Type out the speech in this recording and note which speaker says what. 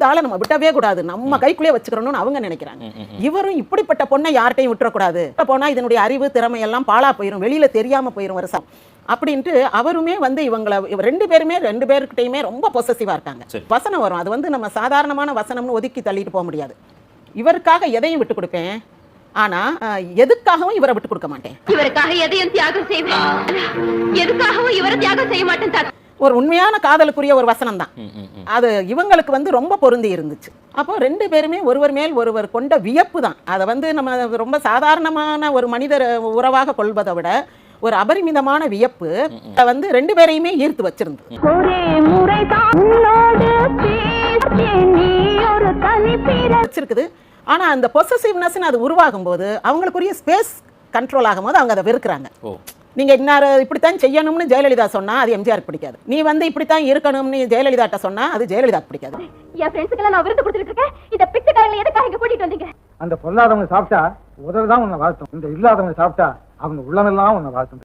Speaker 1: இந்த ஆளை நம்ம விட்டவே கூடாது, நம்ம கைக்குள்ளே வச்சுக்கிறோம்னு அவங்க நினைக்கிறாங்க. இவரும் இப்படிப்பட்ட பொண்ணை யார்கிட்டையும் விட்டுறக்கூடாது, போனா இதனுடைய அறிவு திறமை எல்லாம் பாழா போயிடும், வெளியில தெரியாம போயிடும் வருஷம் அப்படின்ட்டு அவருமே இவங்களை 2 பேருக்கிட்டையுமே ரொம்ப பொசசிவா இருக்காங்க. வசனம் வரும், அது நம்ம சாதாரணமான வசனம்னு ஒதுக்கி தள்ளிட்டு போக முடியாது. இவருக்காக எதையும் விட்டு கொடுப்பேன், ஆனா எதுக்காகவும் இவரை விட்டு கொடுக்க மாட்டேன்.
Speaker 2: இவருக்காக எதையும் தியாகம் செய்வேன், எதுக்காகவும் இவரை தியாகம் செய்ய மாட்டேன்.
Speaker 1: ஒரு உண்மையான காதலுக்குரிய ஒரு வசனம் தான் அது. இவங்களுக்கு ரொம்ப பொருந்தி இருந்துச்சு. அப்போ 2 பேருமே ஒருவர் மேல் ஒருவர் கொண்ட வியப்பு தான். அதை நம்ம ரொம்ப சாதாரணமான ஒரு மனிதர் உறவாக கொள்வதை விட ஒரு அபரிமிதமான வியப்பு 2 பேரையுமே ஈர்த்து வச்சிருந்தது. வச்சிருக்குது. ஆனா அந்த பொசசிவ்னஸ் அது உருவாகும் போது அவங்களுக்குரிய ஸ்பேஸ் கண்ட்ரோல் ஆகும்போது அவங்க அதை வெறுக்கிறாங்க. நீங்க இன்னார் இப்படித்தான் செய்யணும்னு ஜெயலலிதா சொன்னா அது எம்ஜிஆருக்கு பிடிக்காது. நீ இப்படித்தான் இருக்கணும்னு ஜெயலலிதாட்ட சொன்னா அது ஜெயலலிதாக்கு பிடிக்காது.
Speaker 2: என் ஃப்ரெண்ட்ஸ்க்கெல்லாம் நான் விருது கொடுத்துட்டு இருக்கேன். இந்த பிச்சைக்காரங்களை எதுக்காக இங்க கூட்டிட்டு வந்தீங்க?
Speaker 3: அந்த பொல்லாதவங்க சாப்பிட்டா உதவுதான் உன்னை வாழ்த்தும், இந்த இல்லாதவங்க சாப்பிட்டா அவங்க உள்ளமெல்லாம் உன்னை வாழ்த்தும்.